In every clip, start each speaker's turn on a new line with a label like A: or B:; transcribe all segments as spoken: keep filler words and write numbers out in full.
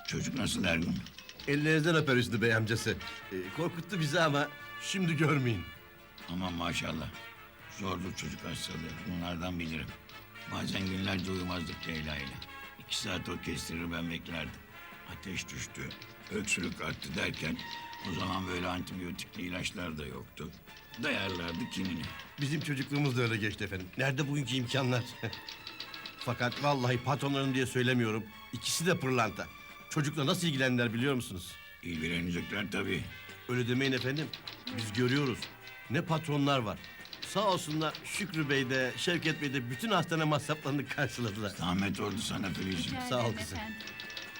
A: Çocuk nasıl Ergun?
B: Ellerinizden öper Hüsnü Bey amcası. Ee, korkuttu bizi ama şimdi görmeyin.
A: Aman maşallah. Zordur çocuk hastalığı. Bunlardan bilirim. Bazen günlerce uyumazdık Leyla ile. İki saat o kestirir ben beklerdim. Ateş düştü, öksürük arttı derken... ...o zaman böyle antibiyotikli ilaçlar da yoktu. Dayarlardı kimini.
B: Bizim çocukluğumuz da öyle geçti efendim. Nerede bugünkü imkanlar? Fakat vallahi patronlarım diye söylemiyorum. İkisi de pırlanta. Çocukla nasıl ilgilendiler biliyor musunuz?
A: İlgilenecekler tabii.
B: Öyle demeyin efendim. Biz görüyoruz. Ne patronlar var. Sağ olsunlar Şükrü Bey de Şevket Bey de bütün hastane masraflarını karşıladılar.
A: Zahmet oldu sana Filizciğim.
C: Rica
B: Sağ ol
C: ederim
B: kızım.
C: efendim.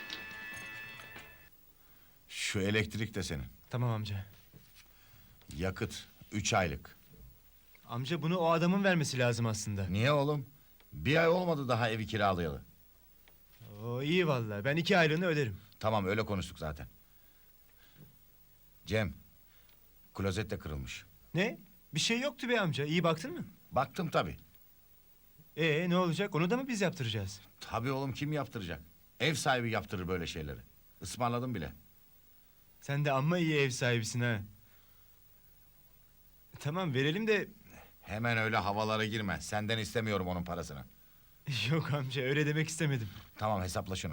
D: Şu elektrik de senin.
E: Tamam amca.
D: Yakıt üç aylık.
E: Amca bunu o adamın vermesi lazım aslında.
D: Niye oğlum? Bir ay olmadı daha evi kiralayalı.
E: O iyi vallahi. Ben iki aylığını öderim.
D: Tamam öyle konuştuk zaten. Cem, klozet de kırılmış.
E: Ne? Bir şey yoktu be amca. İyi baktın mı?
D: Baktım tabii.
E: Ee ne olacak? Onu da mı biz yaptıracağız?
D: Tabii oğlum kim yaptıracak? Ev sahibi yaptırır böyle şeyleri. Ismarladım bile.
E: Sen de amma iyi ev sahibisin ha. Tamam verelim de...
D: Hemen öyle havalara girme. Senden istemiyorum onun parasını.
E: Yok amca öyle demek istemedim.
D: Tamam hesapla şunu.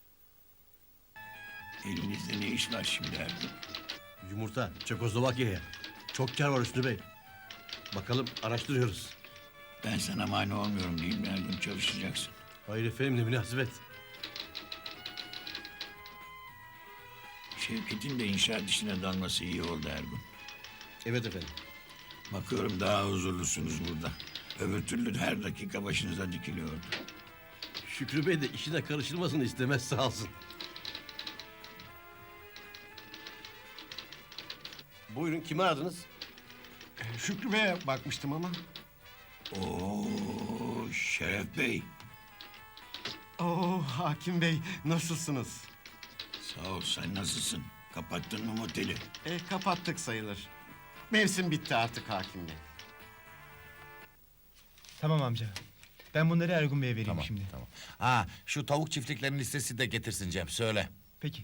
A: Elinizde ne iş var şimdi Ergun?
B: Yumurta Çekoslovakya'ya. Çok kar var Hüsnü Bey. Bakalım araştırıyoruz.
A: Ben sana mani olmuyorum değil mi Ergun? Çalışacaksın.
B: Hayır efendim ne münasebet.
A: Şevket'in de inşaat işine dalması iyi oldu Ergun.
B: Evet efendim.
A: Bakıyorum daha huzurlusunuz burada. Öbür türlü her dakika başınıza dikiliyordu.
B: Şükrü Bey de işine karışılmasını istemez sağ olsun. Buyurun kimi aradınız?
F: Şükrü Bey'e bakmıştım ama.
A: Oo, Şeref Bey.
F: Oo Hakim Bey nasılsınız?
A: Sağ ol, sen nasılsın? Kapattın mı moteli?
F: E, kapattık sayılır. Mevsim bitti artık Hakim Bey.
E: Tamam amca. Ben bunları Ergun Bey'e vereyim
D: Tamam
E: şimdi.
D: tamam. Ha şu tavuk çiftliklerinin listesi de getirsin Cem söyle.
E: Peki.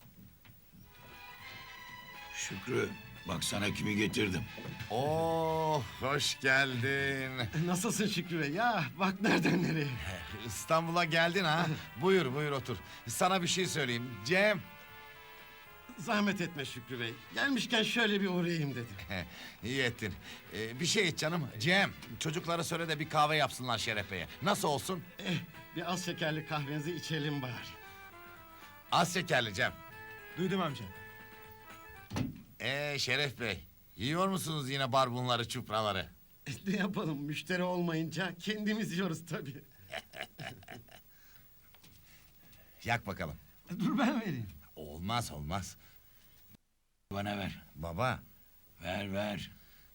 A: Şükrü, bak sana kimi getirdim.
D: Oo hoş geldin.
F: E, Nasılsın Şükrü Bey? Ya bak nereden nereye.
D: İstanbul'a geldin ha. Buyur buyur otur. Sana bir şey söyleyeyim. Cem.
F: Zahmet etme Şükrü Bey. Gelmişken şöyle bir uğrayayım dedim.
D: İyi ettin. Ee, bir şey iç canım. Cem, çocuklara söyle de bir kahve yapsınlar Şeref Bey'e. Nasıl olsun?
F: Eh, bir az şekerli kahvenizi içelim bari.
D: Az şekerli Cem.
E: Duydum amca.
D: Ee Şeref Bey, yiyor musunuz yine barbunları, çupraları?
F: E, ne yapalım müşteri olmayınca kendimiz yiyoruz tabii.
D: Yak bakalım.
F: Dur ben vereyim.
D: Olmaz olmaz.
A: Bana ver,
D: Baba,
A: ver ver.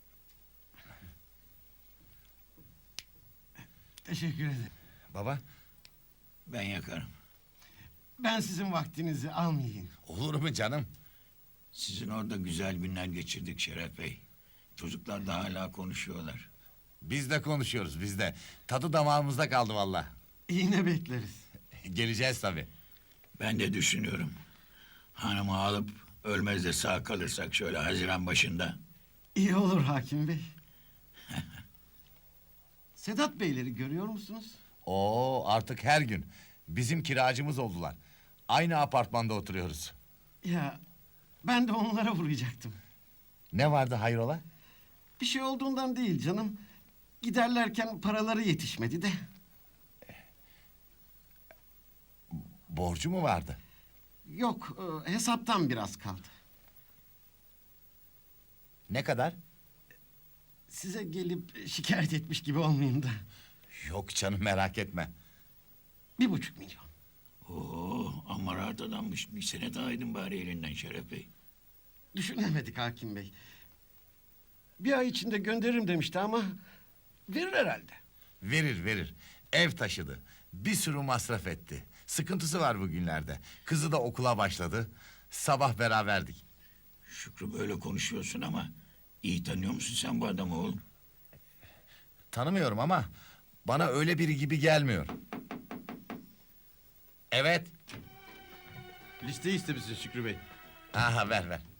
F: Teşekkür ederim.
D: baba.
A: Ben yakarım.
F: Ben sizin vaktinizi almayayım.
D: Olur mu canım?
A: Sizin orada güzel günler geçirdik Şeref Bey. Çocuklar da hala konuşuyorlar.
D: Biz de konuşuyoruz, biz de. Tadı damağımızda kaldı vallahi.
F: Yine bekleriz.
D: Geleceğiz tabii.
A: Ben de düşünüyorum. Hanımı alıp ölmez de sağ kalırsak şöyle Haziran başında.
F: İyi olur Hakim Bey. Sedat Beyleri görüyor musunuz?
D: Oo, artık her gün. Bizim kiracımız oldular. Aynı apartmanda oturuyoruz.
F: Ya ben de onlara vuracaktım.
D: Ne vardı hayrola?
F: Bir şey olduğundan değil canım. Giderlerken paraları yetişmedi de.
D: Borcu mu vardı?
F: Yok, e, hesaptan biraz kaldı.
D: Ne kadar?
F: Size gelip şikayet etmiş gibi olmayayım da.
D: Yok canım merak etme.
F: Bir buçuk milyon.
A: Oo, amma rahat adammış. Bir sene daha aydın bari elinden Şeref Bey.
F: Düşünemedik Hakim Bey. Bir ay içinde gönderirim demişti ama verir herhalde.
D: Verir verir. Ev taşıdı. Bir sürü masraf etti. Sıkıntısı var bugünlerde. Kızı da okula başladı. Sabah beraberdik.
A: Şükrü böyle konuşuyorsun ama... ...iyi tanıyor musun sen bu adamı oğlum?
D: Tanımıyorum ama bana öyle biri gibi gelmiyor. Evet.
B: Listeyi istemişsin Şükrü Bey.
D: Aha ver ver.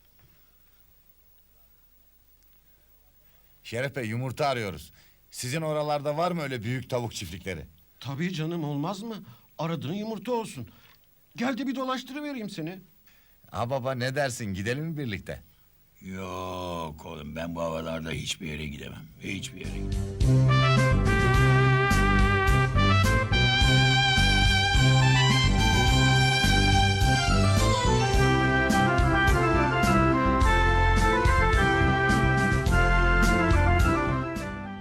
D: Şeref Bey yumurta arıyoruz. Sizin oralarda var mı öyle büyük tavuk çiftlikleri?
F: Tabii canım, olmaz mı? Aradığın yumurta olsun. Gel de bir dolaştırıvereyim seni.
D: Ha baba ne dersin gidelim mi birlikte?
A: Yok oğlum ben bu havalarda hiçbir yere gidemem. Hiçbir yere gidemem.